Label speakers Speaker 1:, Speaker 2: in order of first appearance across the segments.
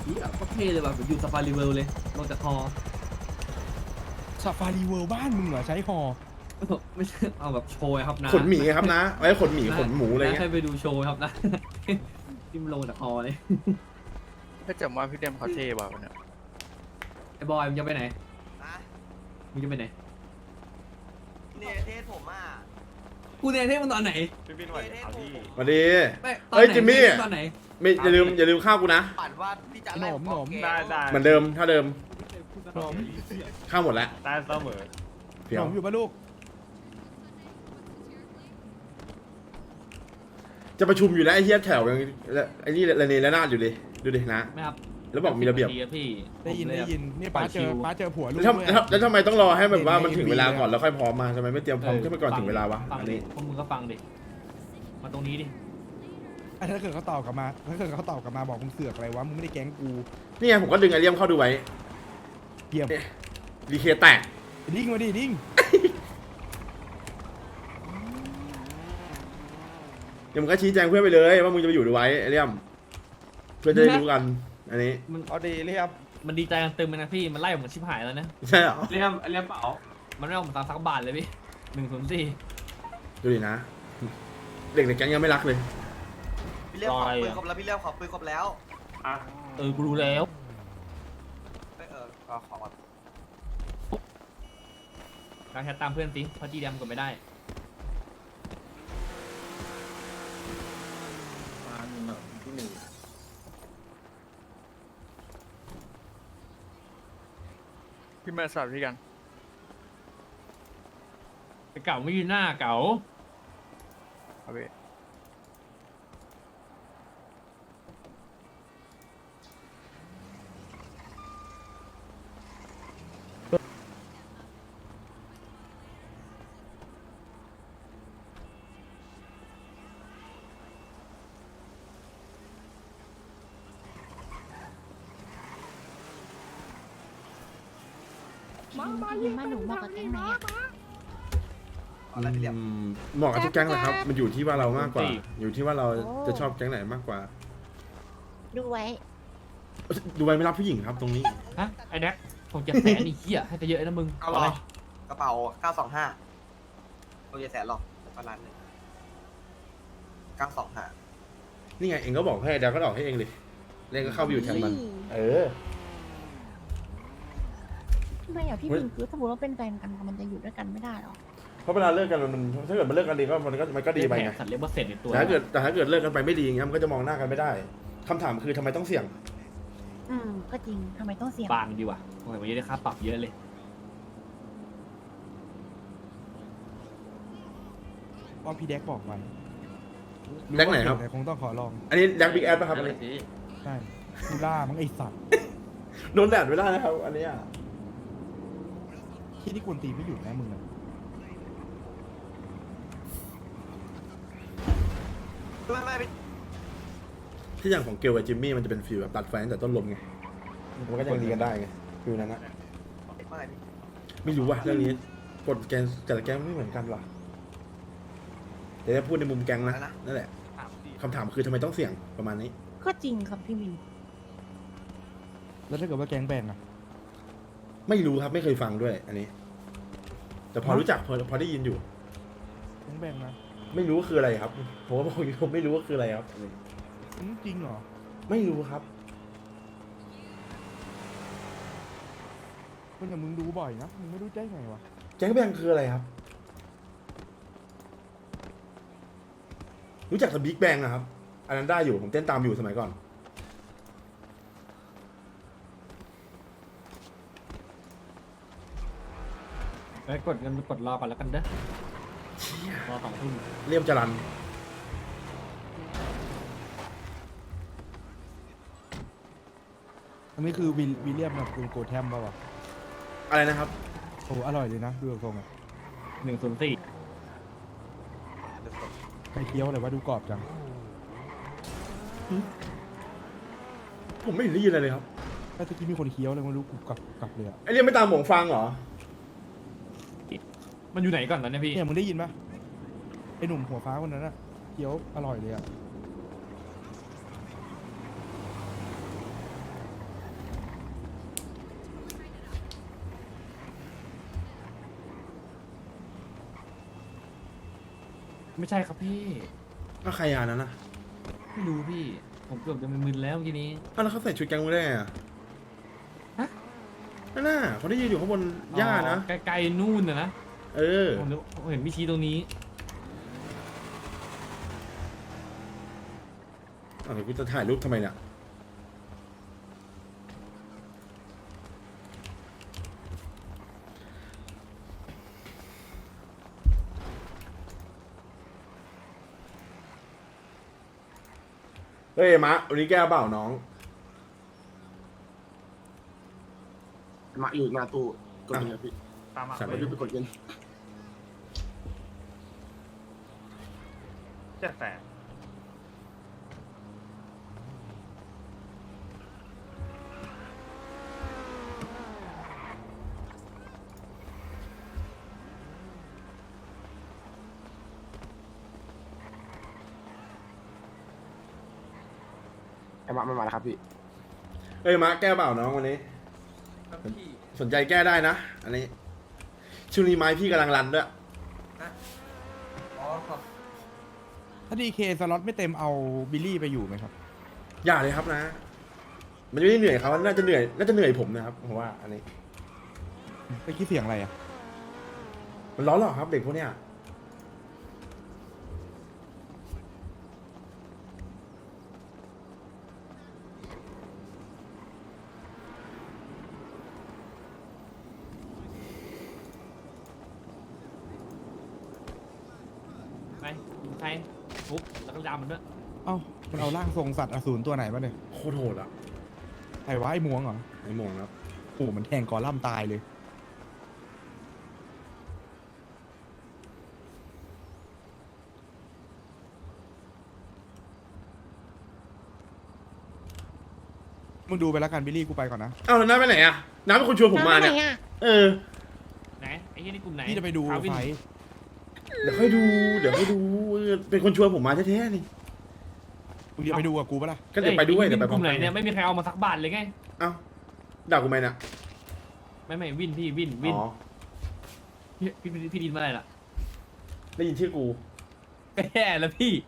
Speaker 1: นี่ก็เท่เลยว่ะเหมือนอยู่ซาฟารีเวิลด์เลยลงจากฮอ
Speaker 2: ซาฟารีเวิลด์บ้านมึงเหรอใช้ฮอ
Speaker 1: ไม่ใช่เอาแบบโชว์ครับนะ
Speaker 3: ขนหมีครับนะไว้ขนหมีขนหมูอะไร
Speaker 1: นะ
Speaker 3: เงี้
Speaker 1: ให้
Speaker 3: ย
Speaker 1: ไปดูโชว์ครับนะ ที่มันลงจากฮอเลย
Speaker 4: ถ้าจำว่าพี่เดมเขาเท่ว่ะวันเนี้ย
Speaker 1: ไอ้บอยมึงจะไปไหน
Speaker 5: นะ
Speaker 1: มึงจะไปไหน
Speaker 5: เนี่ยเทสผมอ่ะ
Speaker 1: กูเนี่ยเท่มันตอนไหน
Speaker 6: พี่บินไหวครับพี่
Speaker 3: สวัสดี
Speaker 1: ไม่ตอน
Speaker 3: เฮ้ย
Speaker 1: ไหน
Speaker 3: จิมมี่
Speaker 1: ตอนไหน
Speaker 3: ไม่อย่าลืมข้าวกูนะ
Speaker 5: ปั่นว่าพี่จะไล่ผมออกเกม
Speaker 6: ได้
Speaker 3: เหมือนเดิมถ้าเดิม
Speaker 2: หนม
Speaker 3: ข้าวหมดแล้ว
Speaker 6: ได้เสมอ
Speaker 3: เดี๋
Speaker 2: ห
Speaker 3: ย
Speaker 2: น
Speaker 3: ว
Speaker 2: มอยู่ปะลูก
Speaker 3: จะประชุมอยู่แล้วไอ้เฮียแถวยังไอ้นี่ระเนระนาดอยู่เลยดูดินะ
Speaker 1: ไม่ครับ
Speaker 3: แล้วบอกมีระเบียบ
Speaker 1: 10นาทีอะพี่
Speaker 2: ได้ยิน
Speaker 1: ผมเล
Speaker 2: ได้
Speaker 1: อะ
Speaker 2: ยินนี่ป้าเจอ
Speaker 1: ปล่อยคิว
Speaker 2: ป้าเจอผัวลูก
Speaker 3: แล้ว
Speaker 2: ด้วย
Speaker 3: แล้วทำไมต้องรอให้แบบว่ามันถึงเวลาก่อนแล้วค่อยพร้อมมาทำไมไม่เตรียมพร้อมขึ้นไปก่อนถึงเวลาวะ
Speaker 1: ฟัง
Speaker 3: อัน
Speaker 1: ดิ
Speaker 3: นี้
Speaker 1: พวกมึงก็ฟังดิมาตรงนี้ดิ
Speaker 2: อ่ะถ้าเกิดเขาตอบกลับมาถ้าเกิดเขาตอบกลับมาบอกมึงเสือกอะไรวะมึงไม่ได้แก๊งกู
Speaker 3: นี่ไงผมก็ดึงไอเลียมเข้าดูไว้
Speaker 2: เยี่ยม
Speaker 3: ดีเคแตก
Speaker 2: ดิ้งมาดิดิ้ง
Speaker 3: เดี๋ยวมึงก็ชี้แจงเพื่อนไปเลยว่ามึงจะไปอยู่ดูไว้ไอเลียมเพื่อนจะได้รู้กัน อันนี้
Speaker 1: มัน
Speaker 2: เอาดีเรียบ
Speaker 1: มันดีใจกันตึมเลยนะพี่มันไล่ผมชิบหายแล้วนะ
Speaker 3: ใช่เหรอ
Speaker 1: เรียมเปล่ามันไม่เอาผมตามสักบาทเลยพี่104
Speaker 3: ดูดินะ เด็กในแก๊งยังไม่รักเลย
Speaker 5: พี่เลี้ยวขอปืนครบแล้วพี่เลี้ยวขอปืนครบแล้ว
Speaker 6: อ่ะ
Speaker 1: กูรู้แล้ว
Speaker 5: ขอก่อน
Speaker 1: การแชทตามเพื่อนสิเพราะจีดำกดไม่ได้
Speaker 4: พี่มาสลับพี่กัน
Speaker 1: ไอ้เก่าไม่ยืนหน้าเก่า
Speaker 4: ครับพี่
Speaker 7: ยิงมาหนูบอกกับแก๊งไหนอะ
Speaker 5: เอาละพี่เลี้ยว
Speaker 3: เหมาะกับทุกแก๊งแหละครับ มันอยู่ที่ว่าเรามากกว่า อยู่ที่ว่าเราจะชอบแก๊งไหนมากกว่า
Speaker 7: ดูไว้
Speaker 3: ดูไว้ไม่รับผู้หญิงครับตรงนี้
Speaker 1: ฮะไอ้แน็กผมจะแสนไอ้เหี้ยให้ไปเยอะนะมึง
Speaker 5: เอาหรอกระเป๋า925เอาเยอะแสนหรอกประมาณนึง925
Speaker 3: นี่ไงเองก็บอกให้เดี๋ยวก็ออกให้เองเลยเล่นก็เข้าไปอยู่แทนมัน เออ
Speaker 7: ทำไมอ่ะพี่บินคือสมมติว่าเป็นแฟนกันมันจะอยู่ด้วยกันไม่ได้หรอ
Speaker 3: เพราะเวลาเลิกกันมันถ้าเกิดมันเลิกกันดีก็มันก็ดีไปไง
Speaker 1: สัตว์เลี้ยงเปอร์เซ็นต์ในตัว
Speaker 3: แต่ถ้าเกิดเลิกกันไปไม่ดีอย่างเงี้ยมันก็จะมองหน้ากันไม่ได้คำถามคือทำไมต้องเสี่ยง
Speaker 7: ก็จริงทำไมต้องเสี่ยง
Speaker 1: บานดีว่ะโอ้ยวันนี้ได้ค่าปรับเยอะเลย
Speaker 2: เพราะพี่แดกบอกไว้
Speaker 3: แดกไหนครับ
Speaker 2: แต่คงต้องขอลอง
Speaker 3: อันนี้แดกบิ๊กแอดป่ะครับอันนี้
Speaker 2: ใช่กูล่ามั้งไอสัตว์
Speaker 3: โดนแดดไม่ได้นะครับ อันนี้
Speaker 2: ที่ที่กวนตีนไม่หยุดนะมึงอะ
Speaker 5: ไม่พี่
Speaker 3: ที่อย่างของเกลกับจิมมี่มันจะเป็นฟิลแบบตัดไฟตั้งแต่ต้นลมไงมันก็ยังดีกันได้ไงฟิลนั้นนะ
Speaker 5: ไม่พี่
Speaker 3: ไม่รู้ว่ะเรื่องนี้กฎแกนแต่ละแกงไม่เหมือนกันหรอแต่ถ้าพูดในมุมแกงนะนั่นแหละคำถามคือทำไมต้องเสี่ยงประมาณนี้
Speaker 7: ก็จริงครับพี่บิน
Speaker 2: แล้วถ้าเกิดว่าแก๊งแบ่งอะ
Speaker 3: ไม่รู้ครับไม่เคยฟังด้วย อันนี้ แต่พอรู้จักพอได้ยินอยู่
Speaker 2: แก๊งแบ่งนะ
Speaker 3: ไม่รู้ว่าคืออะไรครับผมก็บอกอยู่ผมไม่รู้ว่าคืออะไรครับ
Speaker 2: จริงเหรอ
Speaker 3: ไม่รู้ครับ
Speaker 2: คนอย่างมึงดูบ่อยนะมึงไม่รู้ได้ไงวะ
Speaker 3: แก๊งแบงคืออะไรครับ รู้จักแต่บิ๊กแบงอะครับ อันนั้นได้อยู่ผมเต้นตามอยู่สมัยก่อน
Speaker 1: ไปกดเงินกดรอก่อนแล้วกันเด้อรอ2 ทุ่ม
Speaker 3: เลี่ยมจรัน
Speaker 2: อันนี้คือวิลเลียมกับคุณโกแทมป่าวะ
Speaker 3: อะไรนะครับ
Speaker 2: โอ้อร่อยเลยนะดูจากทรงอะ
Speaker 1: 104
Speaker 2: ไข่เคี้ยวอะไรวะดูกรอบจัง
Speaker 3: ผมไม่เห็นได้ยินอะไรเลยครับ
Speaker 2: ถ้าตะกี้มีคนเคี้ยวเลยมันรู้กรุบกรับเลยอะ
Speaker 3: ไอเลี่ยมไม่ตามหมงฟังเหรอ
Speaker 1: มันอยู่ไหนก่อนตอนนี้พี่
Speaker 2: เนี่ยมึงได้ยินปะไอหนุ่มหัวฟ้าคนนั้นอะเคี้ยวอร่อยเลยอะ
Speaker 1: ไม่ใช่ครับพี่
Speaker 3: ก็ใครยานั้นนะ
Speaker 1: ไม่รู้พี่ ผมเกือบจะมึนๆแล้วเมื่อกี้นี้
Speaker 3: อ้าวแล้วเขาใส่ชุดแก๊งมึงได้ไงอะ
Speaker 1: ฮะ
Speaker 3: นั่นน่ะเขาได้ยืนอยู่ข้างบนหญ้านะ
Speaker 1: อ๋อไกลๆนู่นนะ
Speaker 3: เออ
Speaker 1: ผมเห็นพี่ชี้ตรงนี้
Speaker 3: อ้าวเดี๋ยวกูจะถ่ายรูปทำไมเนี่ยเฮ้ยมะวันนี้แก้เปล่าน้อง
Speaker 8: มาอยู่หน้าตู้กดเงินพี่
Speaker 6: ตามมา
Speaker 3: สั่ง
Speaker 8: มาดูไปกดเงิน
Speaker 6: 700,000
Speaker 8: ไอ้มาไม่มาแล้วครับพี่
Speaker 3: เฮ้ยมะแก้เปล่าน้องวันนี้ สนใจแก้ได้นะ อันนี้ช่วงนี้ไม้พี่กำลังรันด้วย
Speaker 5: อ๋อครับ
Speaker 2: ถ้าดีเคสล็อตไม่เต็มเอาบิลลี่ไปอยู่ไหมครับ
Speaker 3: อย่าเลยครับนะ มันไม่ได้เหนื่อยเขาน่าจะเหนื่อยผมนะครับผมว่าอันนี้
Speaker 2: ไปคิดเสียงอะไรอ่ะ
Speaker 3: มันร้อนหรอครับเด็กพวกเนี้ย
Speaker 1: ไปใครฟุกแล้วก็ดำมันด้วย
Speaker 2: เอ้ามันเอาร่างทรงสัตว์อสูรตัวไหนมาเนี่ย
Speaker 3: โคตรโหดอะ
Speaker 2: ไอ้วะไอ้มวงเหรอ
Speaker 3: ไอ้โมงครับ
Speaker 2: โอ้โหมันแทงกอล่ำตายเลย มึงดูไปแล้วกันบิลลี่กูไปก่อนนะ
Speaker 3: เอ้าแล้วน้าไปไหนอะน้าเป็นคนชวนผมมาเนี่ย
Speaker 7: น้ำไหนอะ
Speaker 3: เออ
Speaker 1: ไหนไอ้ที่นี่กลุ่มไหน
Speaker 2: พี่จะไปดู
Speaker 1: คาวิน
Speaker 2: ไฟ
Speaker 3: เดี๋ยวค่อยดูเป็นคนชวนผมมาแท้ๆนี่
Speaker 2: มึงจะไปดูกับกูปะล่ะ
Speaker 3: ก็เดี๋ยวไปด้วย
Speaker 1: อ้
Speaker 3: เดี๋ยวไปพ
Speaker 1: ก
Speaker 3: ร้อ
Speaker 1: ลุ่
Speaker 3: ม
Speaker 1: มไหน
Speaker 3: กัน
Speaker 1: เนี่ยไม่มีใครเอามาสักบาทเลยไง
Speaker 3: เอ้าด่ากูไหมเนี่ย
Speaker 1: ไม่วินพี่วิน
Speaker 3: อ๋อ
Speaker 1: พี่ดินเมื่อไหร่ล่ะ
Speaker 3: ได้ยินชื่อกู
Speaker 1: ก็แย่แล้วพี่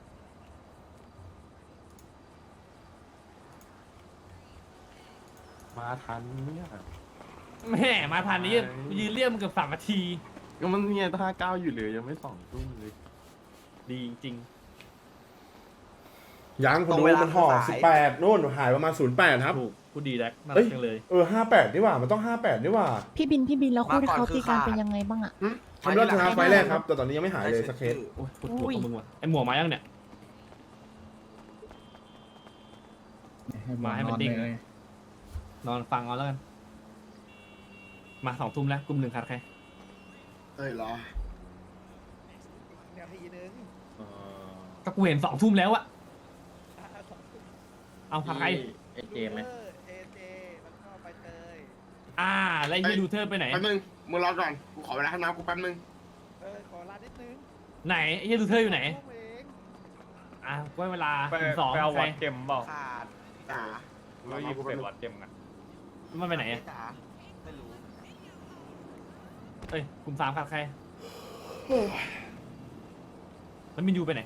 Speaker 6: มาทันเนี่ย
Speaker 1: แม่มาทันนี้ยืนเรียกมันเกือบ3 นาที
Speaker 6: ก็มันเนี่ย59อยู่เลยยังไม่2 ทุ่มเลย
Speaker 1: ดีจริง
Speaker 3: ยังคนดูมันห่อ18นู่นหายประมาณ08ครับ
Speaker 1: ถูกพูดดีแล็กน่า
Speaker 3: เฮ้
Speaker 1: รั
Speaker 3: ย
Speaker 1: กจังเลย
Speaker 3: 58นี่หว่ามันต้อง58นี่หว่า
Speaker 7: พี่บินแล้วคู่ที่เขาตีกันเป็นยังไงบ้างอะ
Speaker 3: ทำรอดชนะไฟล์แรกครับแต่ตอนนี้ยังไม่หายเลยสักเคส
Speaker 1: โอ้ยปวดหัวกับมึงว่ะไอหมวกมายังเนี่ย มาให้มันเด้งนอนฟังเอาแล้วกัน มา2 ทุ่มแล้วกลุ่ม 1ขาดใคร
Speaker 8: เอ้ยเหรอ
Speaker 1: ก็กูเห็น2 ทุ่มแล้วอะเอาขาดใคร
Speaker 6: เจมไหม
Speaker 1: แล้วไอ้เฮียดูเธอไปไหน
Speaker 8: แป๊บนึงมึงรอก่อนกูขอเวลาให้น้ำกูแป๊บนึง
Speaker 1: ไหนไอ้เฮียดูเธออยู่ไหนก็เวลา
Speaker 6: ไป
Speaker 1: ถึง2
Speaker 6: เอา
Speaker 1: ใคร
Speaker 6: วัดเจมเปล่า
Speaker 5: ขาด
Speaker 8: จ๋า
Speaker 6: เรายิงเสร็จวัดเจมกัน
Speaker 1: มันไปไหนอะ
Speaker 5: จ๋าไม่รู้
Speaker 1: เอ้ยกลุ่ม 3ขาดใครแล้วมินยูไปไหน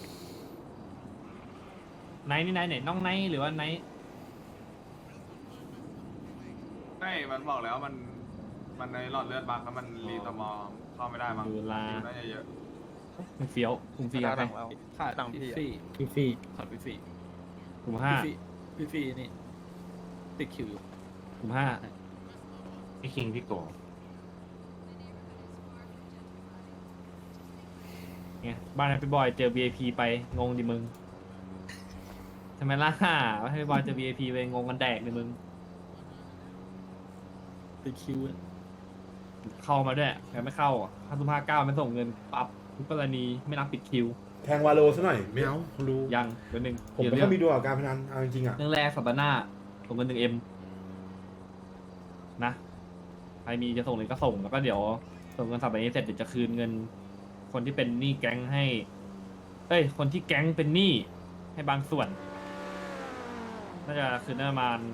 Speaker 1: ไนท์นี่ไนท์ไหนน้องไนท์หรือว่าไนท์
Speaker 9: ไม่มันบอกแล้วมันในหลอดเลือดบักแล้วมันรีตอมอเข้าไม่ได้มั้ง
Speaker 1: ดูลา
Speaker 9: น่าจะเยอะ
Speaker 1: ไม่เฟี้ยวกลุ่ม 4ขาดใคร
Speaker 4: ขาดตังพี่
Speaker 1: พี่ขาดพี่กลุ่ม 5
Speaker 4: พี่นี่ติดคิวอยู่
Speaker 1: กลุ่ม 5
Speaker 6: พี่คิงพี่โก
Speaker 1: ไงบ้านแฮปปี้บอยเจอ VIP ไปงงดิมึงทำไมล่ะว่าแฮปปี้บอยเจอ VIP ไปงงกันแดกดิมึง
Speaker 4: ติดคิว
Speaker 1: เข้ามาด้วยแต่ไม่เข้า5/59ไม่ส่งเงินปรับทุกกรณีไม่รับปิดคิว
Speaker 3: แทงวาโลซะหน่อยไม่เอาคนดู
Speaker 1: ยังเดี๋ยวหนึ่ง
Speaker 3: ผมไม่ค่อยมีดวงกับการพนันเอาจริงๆอ่ะ
Speaker 1: เรื่องแรกสัปดาห์หน้าส่งเงิน1M นะใครมีจะส่งเลยก็ส่งแล้วก็เดี๋ยวส่งเงินสัปดาห์นี้เสร็จเดี๋ยวจะคืนเงิน คนที่เป็นหนี้แก๊งให้คนที่แก๊งเป็นหนี้ให้บางส่วน น่าจะคืนได้ประมาณ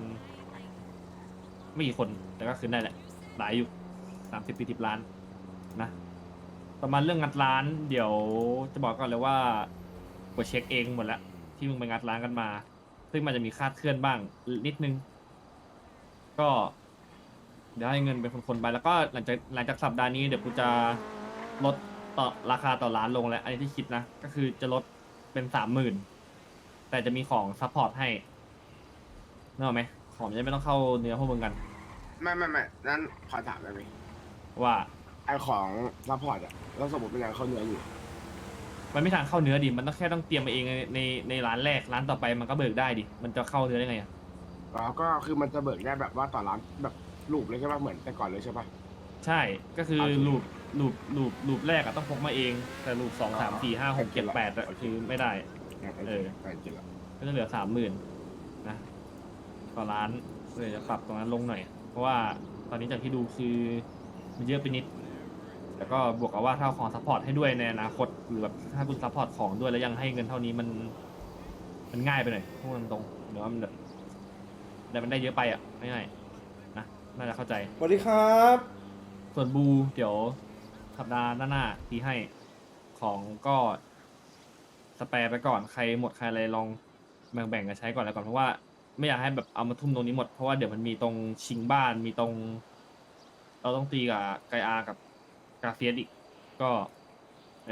Speaker 1: ไม่กี่คนแต่ก็คืนได้แหละหลายอยู่30-40 ล้านนะประมาณเรื่องงัดร้าน เดี๋ยวจะบอกก่อนเลยว่ากดเช็คเองหมดแล้วที่มึงไปงัดร้านกันมา ซึ่งมันจะมีคลาดเคลื่อนบ้างนิดนึง ก็เดี๋ยวให้เงินเป็นคนๆไปแล้วก็หลังจากสัปดาห์นี้เดี๋ยวกูจะลดต่อราคาต่อร้านลงแล้วอันนี้ที่คิดนะ ก็คือจะลดเป็น30,000แต่จะมีของซัพพอร์ตให้นึกออกไหมของจะไม่ต้องเข้าเนื้อพวกมึงกัน
Speaker 8: ไม่นั่นขอถามได้ไหม
Speaker 1: ว่า
Speaker 8: ไอของซัพพอร์ตอะแล้วสมมติเป็นยังเขาเนื้ออยู่
Speaker 1: มันไม่ทางเข้าเนื้อดิมันต้องแค่ต้องเตรียมมาเองในร้านแรกร้านต่อไปมันก็เบิกได้ดิมันจะเข้าเนื้อได้ไงอะ
Speaker 8: แล้วก็คือมันจะเบิกได้แบบว่าต่อร้านแบบรูปเลยใช่ป่ะเหมือนแต่ก่อนเลยใช่ป่ะ
Speaker 1: ใช่ก็คือ
Speaker 8: โอเค
Speaker 1: ลูปแรกอะต้องพกมาเองแต่ลูป2 3 4 5 6 7 8อะ
Speaker 8: โอเค
Speaker 1: คือไม่ได้ เออ
Speaker 8: ไปจริงละ
Speaker 1: ก็จะเหลือ30,000นะต่อร้านเลยจะปรับตรงนั้นลงหน่อย เพราะว่าตอนนี้จากที่ดูคือมันเยอะไปนิด แล้วก็บวกกับว่าถ้าเอาของซัพพอร์ตให้ด้วยในอนาคตหรือแบบถ้าคุณซัพพอร์ตของด้วยแล้วยังให้เงินเท่านี้มันง่ายไปหน่อยพูดตรงๆเดี๋ยวมันแบบแต่มันได้เยอะไปอ่ะง่ายๆนะน่าจะเข้าใจ
Speaker 3: สวัสดีครับ
Speaker 1: ส่วนบูเดี๋ยวสัปดาห์หน้าที่ให้ของก็สแปร์ไปก่อนใครหมดใครอะไรลองแบ่งกันใช้ก่อนแล้วก่อนเพราะว่าไม่อยากให้แบบเอามาทุ่มตรงนี้หมดเพราะว่าเดี๋ยวมันมีตรงชิงบ้านมีตรง เราต้องตีกับไกอากับกาเฟียสอีกก็ไอ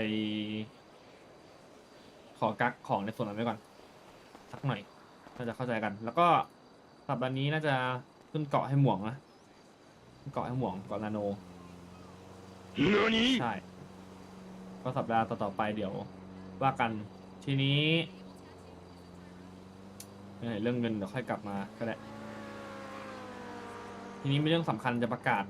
Speaker 1: ขอกักของในส่วนนั้นไว้ก่อนสักหน่อยน่าจะเข้าใจกัน แล้วก็สัปดาห์นี้น่าจะขึ้นเกาะให้หม่วงนะขึ้นเกาะให้หม่วงเกาะนาโนใช่ ก็สัปดาห์ต่อๆไปเดี๋ยวว่ากันทีนี้เรื่องเงินเดี๋ยวค่อยกลับมาก็ได้ทีนี้มีเรื่องสำคัญจะประกาศ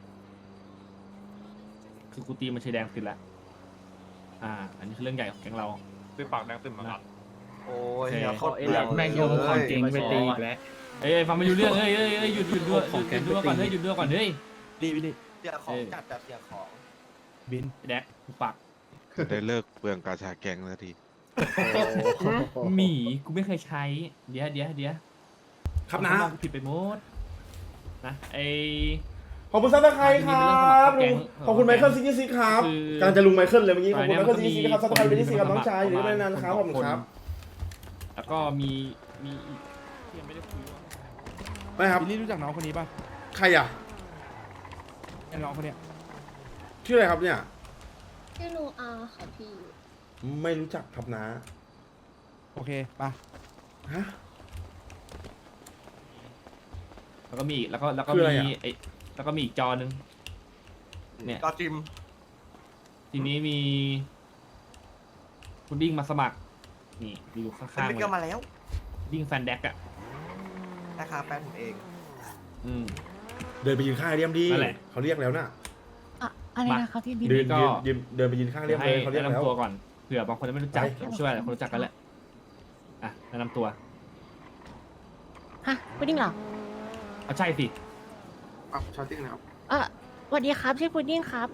Speaker 1: คือกูตีมันชัยแดงติดแล้วอันนี้คือเรื่องใหญ่ของแก๊งเรา
Speaker 6: ซื้อปากแดงตึมมาก่อน
Speaker 5: โอ้ย
Speaker 1: โอเค
Speaker 5: เหี้ยโคตรเปลือง
Speaker 4: แม่งโยงของจริงไปตีอีกแล้ว
Speaker 1: เอ้ยฟังไม่รู้เรื่องเอ้ยหยุดด้วย
Speaker 4: ของแก๊ง
Speaker 1: หยุดด้วยก่อนเฮ้ยหยุดด้วยก่อนเฮ้ย
Speaker 2: ดีวินี่
Speaker 5: เสียของจัดแบบเสียของ
Speaker 2: บิน
Speaker 1: ไอ้แดกกูปาก
Speaker 10: ได้เลิกเปลืองกาชาแกงแล้วที
Speaker 1: หมีกูไม่เคยใช้เดี๋ยว
Speaker 3: ครับนะ
Speaker 1: กูผิดไปหมดนะไอ
Speaker 3: ขอบคุณซับสไครต์ครับขอบคุณไมเคิลซิกซี่ครับ
Speaker 1: คือ
Speaker 3: กำลังจะลุงไมเคิลเลยเมื่อกี้ขอบคุณไมเคิล
Speaker 1: ตอน
Speaker 3: ซิ
Speaker 1: นี้
Speaker 3: กซี่ครับซับสไครต์
Speaker 1: มัน
Speaker 3: เป็น
Speaker 1: มี
Speaker 3: ที่สี่ครับ
Speaker 1: คน
Speaker 3: น้องชายหรือไม่นานครับขอบคุณครับ
Speaker 1: แล้วก็มีอีกที่ยังไม่ได้คุยว่า
Speaker 3: ไม่ครับ
Speaker 2: บิลลี่รู้จักน้องคนนี้ป่ะ
Speaker 3: ใครอ่ะ
Speaker 2: ไอ้น้องคนเนี้ย
Speaker 3: ชื่ออะไรครับเนี่ย
Speaker 7: ชื่อลุงอาค่ะพี่
Speaker 3: ไม่รู้จักครับนะ
Speaker 2: โอเคไป
Speaker 3: ฮะ
Speaker 1: แล้วก็มีอีกแล้วก็
Speaker 3: คืออะไร
Speaker 1: มี
Speaker 3: อะ
Speaker 1: ไอแล้วก็มีอีกจอนึง เนี่ย
Speaker 5: ก็จิม
Speaker 1: ทีนี้มีคุณดิ้งมาสมัคร นี่อยู่ข้
Speaker 5: เป็น
Speaker 1: าง
Speaker 5: มิ
Speaker 1: ๆ
Speaker 5: ก
Speaker 1: เล
Speaker 5: เกอร์
Speaker 1: ย
Speaker 5: มาแล้ว
Speaker 1: ดิ้งแฟนแดกอ่ะ
Speaker 5: นะคะแฟนผมเอง
Speaker 1: อืม
Speaker 3: เดินไปยืนข้างไอเดียมดี
Speaker 1: นั่นแหละ
Speaker 3: เขาเรียกแล้วน่ะ
Speaker 7: อะอะไรนะคะพี่บิน
Speaker 3: เดิน
Speaker 1: ก็
Speaker 3: เดินไปยืนข้างไอเดียม
Speaker 1: ให้
Speaker 3: เลยเขาเรีย
Speaker 1: แนะ
Speaker 3: กแล้ว
Speaker 1: นำตัวก่อนเผื่อบางคนยังไม่รู้จัก
Speaker 3: ไป
Speaker 1: ผมเชื่อว่าหลายคนรู้จักกันแหละอ่ะแนะนำตัว
Speaker 7: ฮะพุดดิ้งเหรอ
Speaker 1: เอาใช่สิ
Speaker 8: อ่ะชาร์ติ้งนะครับ
Speaker 7: สวัสดีครับชื่อพุดดิ้งครับ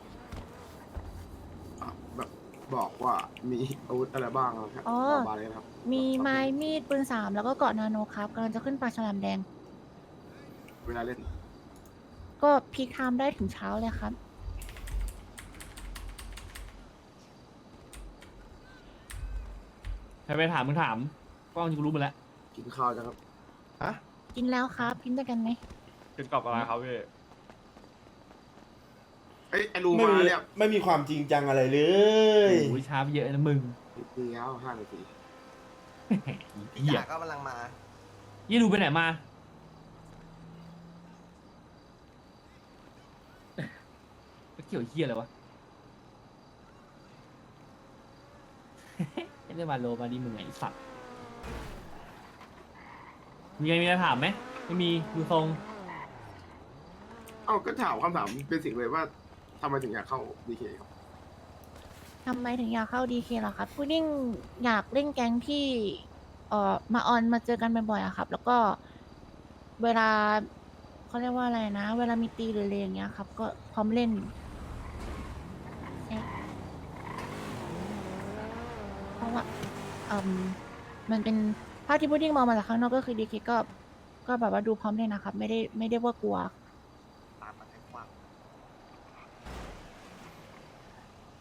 Speaker 8: อ่ะแบบบอกว่ามีอาวุธอะไรบ้างครับ
Speaker 7: อ๋อ
Speaker 8: บาเลยนะครับ
Speaker 7: มีไม้มีดปืน3แล้วก็เกาะนาโนครับกำลังจะขึ้นปลาฉลามแดง
Speaker 8: เวลาเล่น
Speaker 7: ก็พีคไทม์ได้ถึงเช้าเลยครับ
Speaker 1: ใครไปถามมึงถามก็จริงๆรู้หมดแล้ว
Speaker 8: กินข้าวจังครับ
Speaker 3: ฮะ
Speaker 7: กินแล้วครับกินด้วยกันไหม
Speaker 6: กินกับอะไรครับพี่
Speaker 8: เอ้ยไอ้รู
Speaker 3: ไม่
Speaker 8: มา
Speaker 3: มี
Speaker 8: เนี่ย
Speaker 3: ไม่มีความจริงจังอะไรเลย
Speaker 1: โอ้ยช้าไปเยอะนะมึง
Speaker 8: มีแล้ว5 นาที
Speaker 5: พี่
Speaker 1: เหี้ย
Speaker 5: จ่าก็กำลังมา
Speaker 1: ยี่ดูไปไหนมาเกี่ยวเหี้ยอะไรวะ ไม่ได้มาโลมาดีมึงไงไอ้สัตว์มีอะไรถามไหมไม่มีดูทรง
Speaker 8: เอ้าก็ถามคำถามเป็นสิ่งเลยว่าทำไมถึงอยากเข้าดีเคครับ
Speaker 7: ทำไมถึงอยากเข้าดีเคเหรอครับพุดดิ้งอยากเล่นแก๊งที่มาออนมาเจอกันบ่อยๆอะครับ แล้วก็เวลาเขาเรียกว่าอะไรนะ เวลามีตีหรืออะไรอย่างเงี้ยครับ ก็พร้อมเล่นใช่เพราะว่ามันเป็นภาพที่พุดดิ้งมองมาจากข้างนอกก็คือดีเคก็แบบว่าดูพร้อมเล่นนะครับ ไม่ได้ว่ากลัว
Speaker 5: ตามมาให้ความ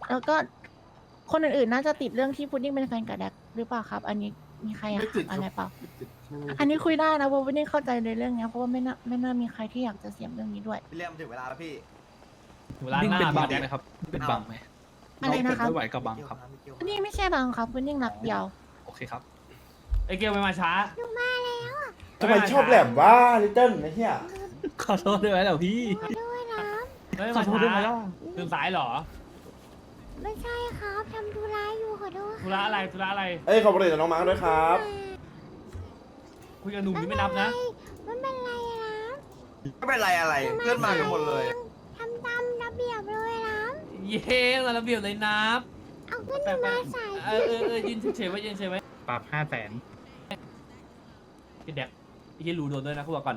Speaker 7: แล้วก็คนอื่นๆน่าจะติดเรื่องที่พุดดิ้งเป็นแฟนกับแดกหรือเปล่าครับ อันนี้มีใครอยาก
Speaker 8: ไม่ติด
Speaker 7: ถามอะไรเปล่า
Speaker 8: ไม่ติดไม่มี
Speaker 7: อันนี้คุยได้นะเพราะพุดดิ้งเข้าใจในเรื่องเนี้ยเพราะว่าไม่น่ามีใครที่อยากจะเสียมเรื่องนี้ด้วย
Speaker 5: พี่เลี่ยมถึงเวลาแล้วพี่
Speaker 1: เวลาหน้า
Speaker 4: เป็นบัง
Speaker 1: พี่แดก
Speaker 4: ไหมครับ เป็นบังไหม
Speaker 7: อะไรนะครับ
Speaker 4: ไม่ไหวกับบังครับ
Speaker 7: พุดดิ้งไม่ใช่บางครับพุดดิ้งรักเดียว
Speaker 4: โอเคครับ
Speaker 1: ไอเกลไม่มาช้า
Speaker 3: ทำไมชอบแหลมว่าลิตเติ้ลไอ้เหี้ย
Speaker 4: ขอโทษด้วยไหมเหรอพี่
Speaker 1: เฮ้ย
Speaker 4: ขอ
Speaker 1: มา
Speaker 4: โทษด้วย
Speaker 1: ช้า
Speaker 4: ไหมล่ะ
Speaker 1: ตื่นสายเหรอ
Speaker 7: ไม่ใช่ครับทำธุระอยู่ขอโทษ
Speaker 1: ธุระอะไรธุระอะไร
Speaker 3: เอ้ยขอบคุณน้องมาร์คด้วยครับ
Speaker 1: คุยกับหนุ่มนี่ไม่นับนะ
Speaker 7: ไม่เป็นไรนะ
Speaker 5: ไม่เป็นไรอะไร เพื่อนมากันหมดเลย
Speaker 7: ทำตามระเบียบเลยนะ
Speaker 1: เย้ระเบียบเลยนับ
Speaker 7: เอาขึ้นมาใส่
Speaker 1: ยืนเฉยๆไว้ยืนเฉยๆไว้
Speaker 4: ปรับ500,000
Speaker 1: พี่แดกพี่รู้โดนด้วยนะคุณบอกก่อน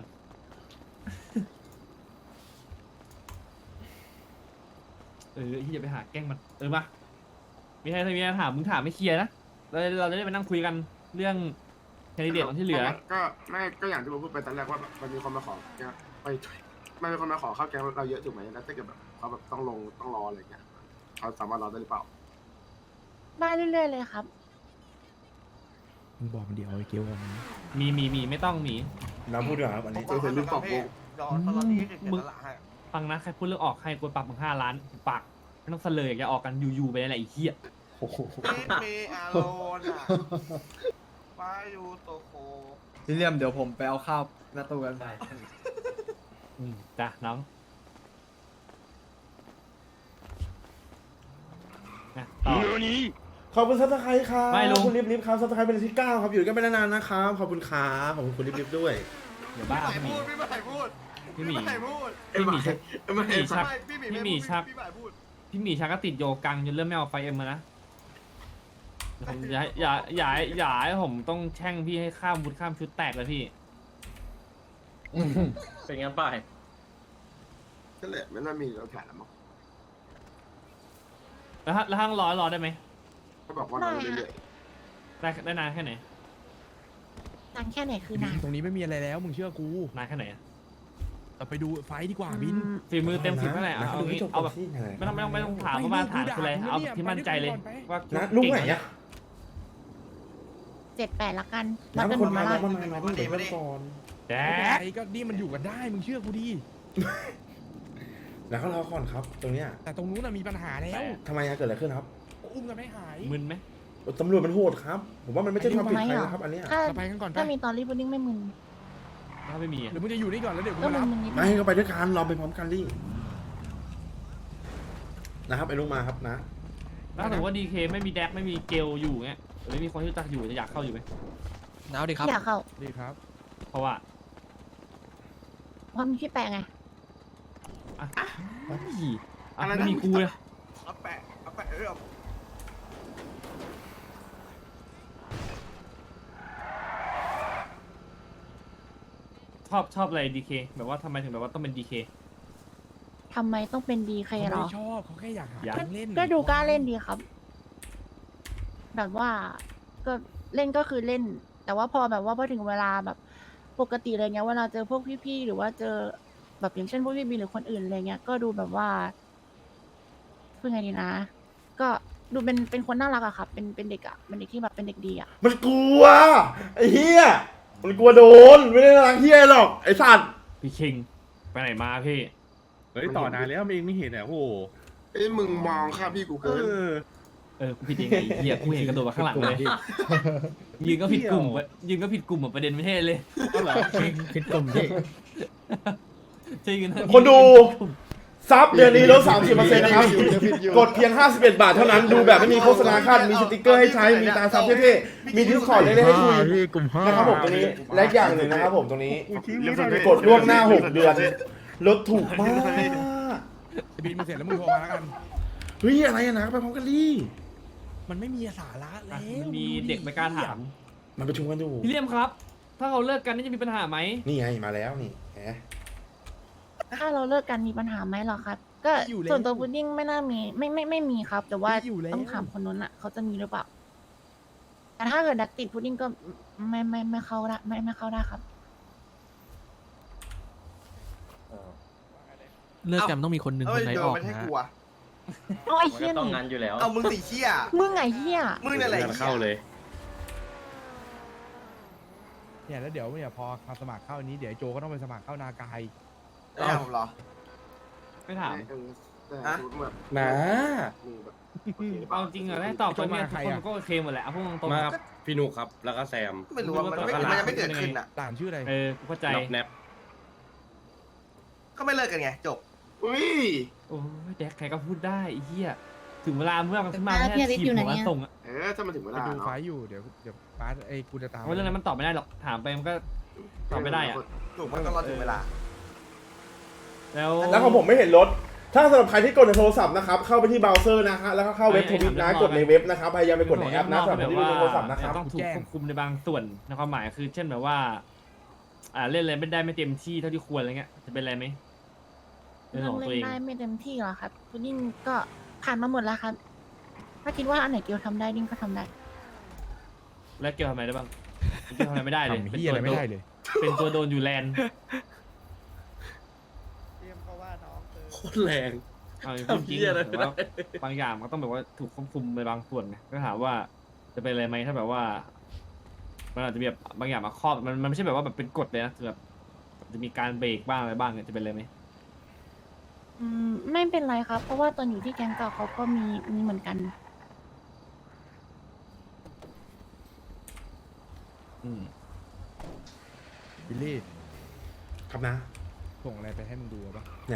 Speaker 1: ที่จะไปหาแกล้งมันมามีใครมีอะไรถามมึงถามไม่เคลียร์นะเราจะได้ไปนั่งคุยกันเรื่องแคนดิเดตที่เหลือ
Speaker 8: ก็อย่างที่ผมพูดไปตอนแรกว่าแบบมันมีคนมาขอแกงไปมันมีคนมาขอเข้าแกงเราเยอะถูกไหมแล้วถ้าเกิดแบบเขาแบบต้องลงต้องรออะไรเงี้ยเขาสามารถรอได้หรือเปล่า
Speaker 7: มาเรื่อยๆเลยครับ
Speaker 2: มึงบอกมันเดียวไอ้เกลวันนี้
Speaker 1: มีไม่ต้องมี
Speaker 3: น้ำพูดด้วยครับอันนี้
Speaker 8: เจอเซนลูกปอบโกง
Speaker 5: ยอนตอนนี้คือ
Speaker 1: มึง
Speaker 5: เสียสละให้
Speaker 1: ฟังนะใครพูดเรื่องออกให้กูปรับมึง5 ล้านปากไม่ต้องเสลยอย่าออกกันอยู่ๆไปอะไรไอ้เหี้ย
Speaker 3: โอ้โห
Speaker 5: เมอาโลนอ่ะวายูโตโค
Speaker 4: พี่เลี่ยมเดี๋ยวผมไปเอาข้าวหน้าตู้กันไป
Speaker 1: จ้ะน้องต่อ
Speaker 3: ขอบคุณซับสไครต์ครับ
Speaker 1: ไม่ลุง
Speaker 3: คุณลิฟครับซับสไครต์เป็นอันที่ 9 ครับอยู่กันไปนานๆนะครับขอบคุณครับขอบคุณคุณลิฟด้วย
Speaker 1: เดี๋ยวบ้า
Speaker 5: พี่
Speaker 1: พี่หมี
Speaker 5: ใหม่พูด
Speaker 1: พี่หมี
Speaker 5: พี่ใหม่พูด
Speaker 1: พี่หมีชัก
Speaker 8: ไม่
Speaker 1: พี่หมีชัก
Speaker 5: พี่หมี
Speaker 1: พี่หมีชัก
Speaker 5: พี่ใหม่พูด
Speaker 1: พี่หมีชักก็ติดโยกังจนเริ่มไม่เอาไฟเอ็มมานะผมอย่าให้ผมต้องแช่งพี่ให้ข้ามวุฒิข้ามชุดแตกเลยพี่
Speaker 4: เป็นไงป้าย
Speaker 8: ก็เลยไม่น่ามีเราแผนแล้วมั้ง
Speaker 1: แล้วห้างรอได้ไหม
Speaker 8: เขาบอกว่าเราเรื่อย
Speaker 1: ได้นานแค่ไหน
Speaker 7: นานแค่ไหนคือนาน
Speaker 2: ตรงนี้ไม่มีอะไรแล้วมึงเชื่อกู
Speaker 1: นานแค่ไหนอะ
Speaker 2: เราไปดูไฟท์ดีกว่าบิน
Speaker 1: ฝีมือเต็ม10เท่าไหร่เอา
Speaker 3: ดูให้
Speaker 1: งี้
Speaker 3: จบ
Speaker 1: เอาแบบ
Speaker 3: ที่ไหน
Speaker 1: ไม่ต้องถามเขามาถามคืออะไรเอาแบบที่มั่นใจเลยว่า
Speaker 3: นะลุงไหนอะ
Speaker 7: 7-8ละกัน
Speaker 3: น้ำ
Speaker 7: กัน
Speaker 3: คน
Speaker 7: หม
Speaker 3: มา
Speaker 7: ด
Speaker 3: น้ำ
Speaker 7: ละ
Speaker 3: มันมาเดี๋ยวเริ่มก่อน
Speaker 1: แด
Speaker 2: ไฟก็นี่มันอยู่กันได้มึงเชื่อกูดิ
Speaker 3: แล้วเขารอก่อนครับ ตรงเนี้ย
Speaker 2: แต่ตรงนู้นน่ะมีปัญหาแล้ว
Speaker 3: ทำไมอะเกิดอะไรขึ้นครับ
Speaker 2: อุ้มกันไม่หาย
Speaker 1: มึนไหม
Speaker 3: ตำรวจมันโหดครับ ผมว่ามันไม่ใช่ความผิดใครนะครับ อันเนี้ย
Speaker 7: ถ้า
Speaker 2: เราไปกันก่อนไป
Speaker 7: ถ้ามีตอนรีพุดดิ้งไม่มึน
Speaker 1: ถ้าไม่มีอะ
Speaker 2: หรือมึงจะอยู่นี่ก่อนแล้วเดี๋ยวกู
Speaker 7: ก็
Speaker 2: มา
Speaker 7: มึ
Speaker 2: รับ
Speaker 7: นนิด
Speaker 3: ไม่ก็ไปด้วยกันรอไปพร้อมกันดินะครับไอ้ลุงมาครับนะ
Speaker 1: ถ้าถือว่าดีเคไม่มีแดกไม่มีเกลอยู่เงี้ยหรือไม่มีคนที่รู้จักอยู่จะอยากเข้าอยู่ไหม
Speaker 4: เอาดิครับ
Speaker 7: อยากเข้า
Speaker 2: ดีครับ
Speaker 1: เพราะว่า
Speaker 7: เพราะมีพี่แปะไง
Speaker 1: ไม่มีกูเลย
Speaker 5: เอาแปะเรื่อง
Speaker 1: ชอบอะไรดีเคแบบว่าทำไมถึงแบบว่าต้องเป็นดีเค
Speaker 7: ทำไมต้องเป็นดีเค
Speaker 2: เขา
Speaker 7: เหรอ
Speaker 2: ไม่ชอบเขาแค่อยากหา
Speaker 1: อยาก
Speaker 2: แก๊งเล่น
Speaker 7: ก็ดูกล้าเล่นดีครับ แบบว่าก็เล่นก็คือเล่น แต่ว่าพอแบบว่าพอถึงเวลาแบบปกติอะไรเงี้ยเวลาเจอพวกพี่ๆหรือว่าเจอแบบอย่างเช่นพวกพี่บีหรือคนอื่นอะไรเงี้ยก็ดูแบบว่าพูดไงดีนะ ก็ดูเป็นคนน่ารักอะครับ เป็นเด็กอะเป็นเด็กที่แบบเป็นเด็กดีอะ
Speaker 3: มันกลัวไอ้เหี้ยมันกลัวโดนไม่ได้รังเหี้ยหรอกไอ้สัตว์
Speaker 1: พี่คิงไปไหนมาพี่
Speaker 6: เฮ้ยต่อนานแล้วมันเองไม่เห็นอ่ะโอ้โห
Speaker 8: ๆเอ้ยมึงมองข้าพี่กูเกิน
Speaker 1: กูผิดยังไงเหี้ยกูเห็นกระโดดมาข้างหลังเลยยืนก็ผิดกลุ่มประเด็นไม่ใช่เลย
Speaker 4: ผิดกลุ่มพี่
Speaker 1: ใช่ยืน
Speaker 3: คนดูซับเดือนนี้ลด 30%นะครับ กดเพียง 51 บาทเท่านั้นดูแบบไม่มีโฆษณาขั้นมีสติกเกอร์ให้ใช้มีตาซับเท่ๆมีดิสคอร์ดเล็กๆให้คุย
Speaker 4: กลุ่ม5
Speaker 3: นะครับผมตรงนี้และอีกอย่างหนึ่งนะครับผมตรงนี้กดล่วงหน้า 6 เดือนลดถูกมาก
Speaker 2: บินมาเสร็จแล้วมึงโทรมาแล้วกัน
Speaker 3: เฮ้ยอะไรอะนะไปพร้อมกันดิ
Speaker 2: มันไม่มีสาระแล้ว
Speaker 1: มีเด็กไม่กล้าถาม
Speaker 3: มันประชุมกันอยู่
Speaker 1: พี่เลี่ยมครับ ถ้าเขาเลิกกันนี่จะมีปัญหาไหม
Speaker 3: นี่ไงมาแล้วนี่แหม
Speaker 7: ถ้าเราเลิกกันมีปัญหาไหมเหรอครับ ก็ส่วนตัวพุดดิ้งไม่น่ามีไม่มีครับ แต่ว่าต้องถามคนนู้นอะเขาจะมีหรือเปล่า แต่ถ้าเกิดดักติดพุดดิ้งก็ไม่เข้าได้ไม่เข้าได้ครับ
Speaker 4: เลิกกันต้องมีคนหนึ่ง
Speaker 5: เอ้
Speaker 4: ค
Speaker 5: ย
Speaker 4: นไหน
Speaker 5: เดิ
Speaker 4: อน อก
Speaker 5: ไม่ใช่
Speaker 4: นะ
Speaker 5: กลัว
Speaker 7: เอาไอ้
Speaker 4: มัน
Speaker 7: เหี้ย
Speaker 4: ก็ต้อง
Speaker 7: นี่
Speaker 4: งั้นอยู่แล้ว
Speaker 5: เอามึงสีเชี่ย
Speaker 7: มึงไงเหี้ย
Speaker 5: มึงนั่นแหละ
Speaker 6: งานเข้าเลย
Speaker 2: เนี่ยแล้วเดี๋ยวเนี่ยพอมาสมัครเข้านี้เดี๋ยวไอ้โจก็ต้องไปสมัครเข้านากาย
Speaker 5: ไม่ถามผมเหรอ
Speaker 1: ไม่ถาม
Speaker 8: แต่สมมติแบบ
Speaker 6: นะ
Speaker 8: มึงแบบ
Speaker 1: เอาจริงเหรอได้ตอบตรงเนี้ยทุกคนก็โอเคหมดแหละเอาพูดตรง
Speaker 6: มาครับพี่นุกครับ แล้วก็แซม
Speaker 5: ไม่รู้ว่ามันยังไม่เกิดขึ้นอ่ะ
Speaker 2: หลานชื่ออะไร
Speaker 1: ๆกูเข้าใจ
Speaker 6: น็อกแนป
Speaker 5: ก็ไม่เลิกกันไงจบ
Speaker 8: อุ้ย
Speaker 1: โอ้ยแดกใครก็พูดได้ไอ้เหี้ยถึงเวลาเมื่อมันขึ้นมา
Speaker 7: แล้วพี่
Speaker 1: แค่
Speaker 7: อลิซ
Speaker 1: ที
Speaker 7: อยู่
Speaker 1: ม
Speaker 7: ไหน
Speaker 1: หัว
Speaker 7: อะ
Speaker 1: ส่งอะ
Speaker 8: ถ้ามันถึงเว
Speaker 2: ไป
Speaker 8: ลา
Speaker 2: ดู
Speaker 8: เนาะ
Speaker 2: ไฟล์อยู่เดี๋ยวป้าไอ้กูจะตาม
Speaker 1: เพราะเรื่องนั้นมันตอบไม่ได้หรอกถามไปมันก็ตอบไม่ได้อะ
Speaker 5: ถูกมันก็รอถึงเวลา
Speaker 1: แล้ว
Speaker 3: แล้วของผมไม่เห็นรถ ถ้าสำหรับใครที่กดในโทรศัพท์นะครับ เข้าไปที่เบราว์เซอร์นะฮะแล้วก็เข้าเว็บทวิตนะ กดในเว็บนะครับ พยายามไปกดในแอปนะสำหรับคนที่ดูในโทรศัพท์นะครับ
Speaker 1: ต้องถูกควบคุมในบางส่วนในความหมายคือ เช่นแบบว่า เล่นอะไรไม่ได้ไม่เต็มที่เท่าที่ควรอะไรเงี้ยจะเป็นอะไรไหมเรื่อง
Speaker 7: เรื่อ
Speaker 1: ข
Speaker 7: ง
Speaker 1: องตัว
Speaker 7: เล่
Speaker 1: เอน ง
Speaker 7: ได้ไม่เต็มที่หรอครับคุณยิ่งก็ผ่านมาหมดแล้วครับ ถ้าคิดว่าอันไหนเกียวทำได้ดิ้งก็ทำได้
Speaker 1: แล้วเกี่ยวทำอะไรได้บ้างเกี่ยวทำอะไรไม่ได้เลย
Speaker 2: ทำเหี้ยอะไรไม่ได้เลย
Speaker 1: เป็นตัวโดนอยู่แลนด์
Speaker 6: โคตรแรง
Speaker 1: เอาจริง
Speaker 6: ทำเหี้ยอะไร
Speaker 1: ๆ
Speaker 6: ไม่
Speaker 1: แต่
Speaker 6: ได้
Speaker 1: ว่าบางอย่างมันก็ต้องแบบว่าถูกควบคุมในบางส่วนไงก็ถามว่าจะเป็นอะไรไหมถ้าแบบว่า มันอาจจะมีแบบบางอย่างมาครอบมันไม่ใช่แบบว่าแบบเป็นกฎเลยนะคือแบบจะมีการเบรกบ้างอะไรบ้างเนี่ยจะเป็นอะไรไหม
Speaker 7: ไม่เป็นไรครับ เพราะว่าตอนอยู่ที่แก๊งเก่าเขาก็มีเหมือนกัน
Speaker 1: อืม
Speaker 2: บิลลี่
Speaker 3: ครับนะ
Speaker 2: ส่งอะไรไปให้มึงดูป่ะ
Speaker 3: ไหน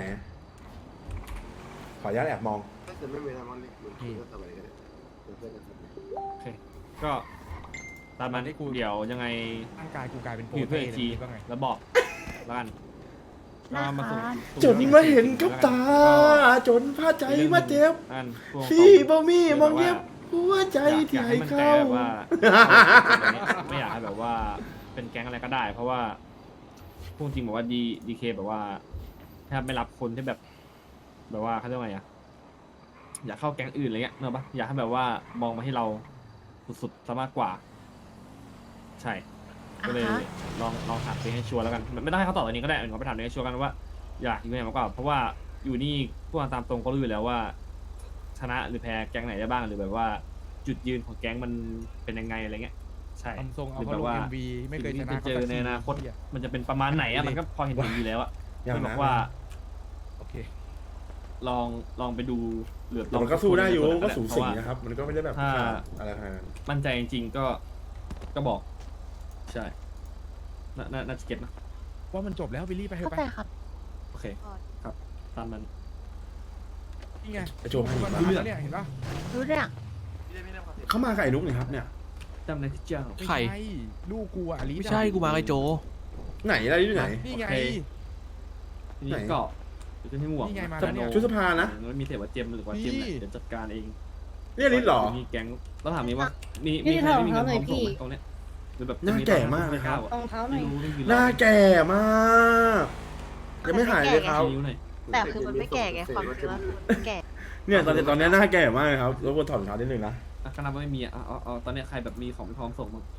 Speaker 3: ขออนุญาตแอบมอง
Speaker 8: ถ้าจะไม่มีทำมันเหมือนคุยกันสบายกันเพื่อนกัน
Speaker 1: โอเค ก็ตามนั้นเดี๋ยวยังไง
Speaker 2: ร่างกายกูกลายเป็นโปร
Speaker 1: คุยเพื่อน
Speaker 2: เต้
Speaker 1: อีก
Speaker 2: เลย
Speaker 1: ที
Speaker 2: ว่าไง
Speaker 1: แล้วบอกแล้วกันแล้วมาส่ง
Speaker 3: จนมาเห็นกับตา จนพาใจมาเจ็บ
Speaker 1: อันพวก
Speaker 3: พี่บ่มีมองเย็บหัวใจ
Speaker 1: อยาก
Speaker 3: ที่
Speaker 1: ให้
Speaker 3: ให้
Speaker 1: มันใจ
Speaker 3: เข้า
Speaker 1: แบบว่า ไม่อยากให้แบบว่าเป็นแก๊งอะไรก็ได้ เพราะว่าพูดจริงบอกว่าดีเคแบบว่าถ้าไม่รับคนที่แบบว่าเขาเรียกว่าไงอะอยากเข้าแก๊งอื่นอะไรเงี้ยเนอะปะอยากให้แบบว่ามองมาที่เราสุดๆซะมากกว่า ใช่ ก็เลย
Speaker 7: อ่าฮะ
Speaker 1: ลองถามตัวเองให้ชัวร์แล้วกันไม่ต้องให้เขาตอบอันนี้ก็ได้เราไปถามตัวเองให้ชัวร์กันว่าอยากอยู่ไหนมากกว่า เพราะว่าอยู่นี่พูดตามตรงก็รู้อยู่แล้วว่า ชนะหรือแพ้แก๊งไหนได้บ้างหรือแบบว่า จุดยืนของแก๊งมันเป็นยังไงอะไรเงี้ยใช่
Speaker 2: ทำทรงเอา
Speaker 1: หรือ
Speaker 2: เขา
Speaker 1: แบบ
Speaker 2: ลง
Speaker 1: ว่า
Speaker 2: MV ไม่เคยช
Speaker 1: สิ่ง
Speaker 2: นะ
Speaker 1: ที่จะเจอในอนาคต
Speaker 2: เหี้ย
Speaker 1: มันจะเป็นประมาณไหนอะมันก็พอเห็นอยู่แล้วอะ
Speaker 3: อย่าง
Speaker 1: ไม่บ
Speaker 3: นั้
Speaker 1: อน กว่า
Speaker 2: โอเค
Speaker 1: ลองไปดูหรือ
Speaker 3: แต่มันก็สู้ได้อยู่
Speaker 1: ลง
Speaker 3: ก็สู
Speaker 1: เพ
Speaker 3: สี
Speaker 1: ราะว่า
Speaker 3: นะครับ มันก็ไม่ได้แบบ
Speaker 1: ถ้า
Speaker 3: อะไรขนาดนั้น
Speaker 1: มั่นใจจริงๆก็บอก ใช่น่าจะเก็ตนะ
Speaker 2: ว่ามันจบแล้วบิลลี่ไปเถ
Speaker 7: เข้า
Speaker 2: อะ
Speaker 7: ใจ
Speaker 2: ไป
Speaker 7: ครับ
Speaker 1: โอเคครับตามนั้น
Speaker 2: นี่ไง
Speaker 3: ไอ้โจให้อีก
Speaker 2: มัน
Speaker 3: มา
Speaker 2: มาแล้วเนี่ยเห็นปะ
Speaker 7: รู้เรื่อง
Speaker 3: เข้ามากับไอ้นุ๊กนี่ครับเนี่ย
Speaker 1: จำในที่เจ้า
Speaker 2: ไม่
Speaker 4: ใคร
Speaker 2: ใช่ลูกกูอะอลิส
Speaker 4: ไม่ใช่กูมาไอโจ
Speaker 3: ไหนอะไรที่ไหน
Speaker 2: นี่ไง
Speaker 1: โอเค ทีนี้
Speaker 3: ไหน
Speaker 1: ก็จะให้หมวก
Speaker 2: นี่ไงมาแล้วเนี่ย
Speaker 3: ชุดสภานะ
Speaker 1: มันมีเทปว่าเจมหรือว่าเจมเนี่ย
Speaker 2: นี่
Speaker 1: เดี๋ยวจัดการเอง
Speaker 3: นี่อลิสเหรอ
Speaker 1: มีแก๊งแล้วถามนี้ว่ามีใครไม่มีเงินพร้อมส่งไหมตรงเนี้ยหรือแบบ
Speaker 3: หน้าแก่มากเลยครับ
Speaker 7: รองเท้าหน่
Speaker 1: ไม่
Speaker 7: อย
Speaker 1: รู้ไม่มี
Speaker 3: หน้าแก่มากยังไม่หายเลยครับ
Speaker 1: นิ้วหน่อย
Speaker 5: แต่คือมันไม่แก่ไงความรู้สึกว่ามันแก่
Speaker 3: เนี่ยตอนนี้หน้าแก่มากเลยครับรบกวนถอดรองเท้านิดนึงนะ
Speaker 1: อ่ะก็นับว่าไม่มีอ่ะเอาตอนเนี้ยใครแบบมีของไม่พร้อมส่งมั้ง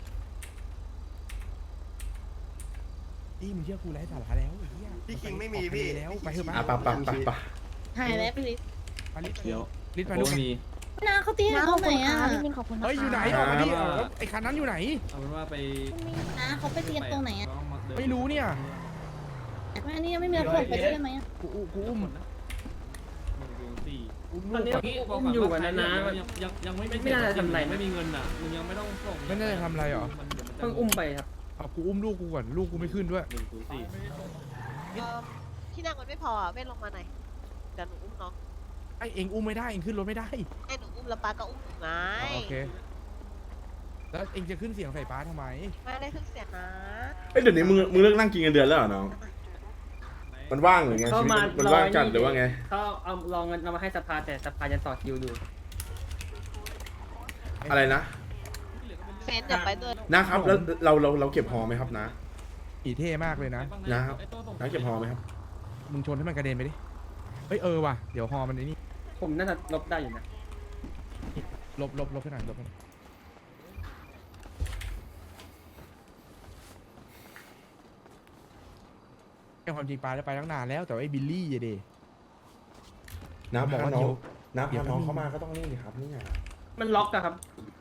Speaker 2: นี่มึงเชื่อกูไร้สาระแล้วไอ้เหี้ย
Speaker 5: พี่คิงไม่มีพี่
Speaker 2: แล้วไปเถอะ
Speaker 3: อ่ะ
Speaker 2: ปะ
Speaker 3: ปะ
Speaker 7: หายแล้วไปลิส
Speaker 2: ไปลิส
Speaker 1: เดี๋ยว
Speaker 2: ลิสมา
Speaker 1: โอ้
Speaker 2: ดู
Speaker 1: มี
Speaker 7: นาเขาตีเขาไหนอ่ะพี่มินขอบคุณนะคะ
Speaker 2: เฮ้ยอยู่ไหนออกมาดิเอาแล้วไอ้คันนั้นอยู่ไหน
Speaker 1: เอาเป็นว่าไป
Speaker 7: นะเขาไปตีตรงไหนอ่ะ
Speaker 2: ไม่รู้เนี่ย
Speaker 7: อันนี้ยังไม่มีระบบไปด้วยได้ไหม
Speaker 2: กูอุ้ม
Speaker 1: อุ้ม
Speaker 4: ตอนนี้อุ้มอยู่กันนะนะ
Speaker 1: ยังไม่
Speaker 4: ไม่น่าจะทำอะไรนะ
Speaker 1: ไม่มีเงินอ่ะมึงยังไม่ต้องส่ง
Speaker 2: ไม่ได้ทำอะไรหรอ
Speaker 4: เพิ่งอุ้มไปครับ
Speaker 2: เอากูอุ้มลูกกูก่อนลูกกูไม่ขึ้นด้วย
Speaker 5: ที่นั่งมันไม่พอเว้นลงมาหน่อยเดี๋ยวหนูอุ้มน้อง
Speaker 2: ไอเองอุ้มไม่ได้เองขึ้นรถไม่ได้
Speaker 5: ให้หนูอุ้มแล้วป้าก็อุ้มหนูไง
Speaker 2: โอเคแล้วเองจะขึ้นเสียงใส่ป้าทำไม
Speaker 5: ไม่ได้ขึ้นเสียงนะ
Speaker 3: เอ้ยเดี๋ยวนี้มึงเลิกนั่งกินเงินเดือนแล้วเหรอน้อง มันว่างหรือไงชีวิตมันว่างจัดหรือว่าไง
Speaker 4: เขาเอาลองเงินเอามาให้สภาแต่สภายังต่อคิวอยู่
Speaker 3: อะไรนะ
Speaker 5: เฟนอย่าไปด้วย
Speaker 3: นะครับแล้วเราเก็บหอไหมครับนะ
Speaker 2: อีเท่มากเลยนะ
Speaker 3: นะครับน้าเก็บหอไหมครับ
Speaker 2: มึงชนให้มันกระเด็นไปดิเฮ้ยว่ะเดี๋ยวฮอมันไอ้นี่
Speaker 4: ผมน่าจะลบได้อยู่นะ
Speaker 2: ลบให้หน่อยลบให้หน่อยไอ้ความจริงปลาได้ไปตั้งนานแล้วแต่ว่าไอ้บิลลี่อะเด
Speaker 3: น้า
Speaker 2: บอก
Speaker 3: พา
Speaker 2: ว่า
Speaker 3: น้อ
Speaker 2: เดี๋
Speaker 3: ง
Speaker 2: ยว
Speaker 3: น้า
Speaker 2: เดี๋ย
Speaker 3: พาว น้อง
Speaker 2: แป๊บนึง
Speaker 3: เข้ามาก็ต้องนี่สิครับเนี่ย
Speaker 4: มันล็อกอะครับ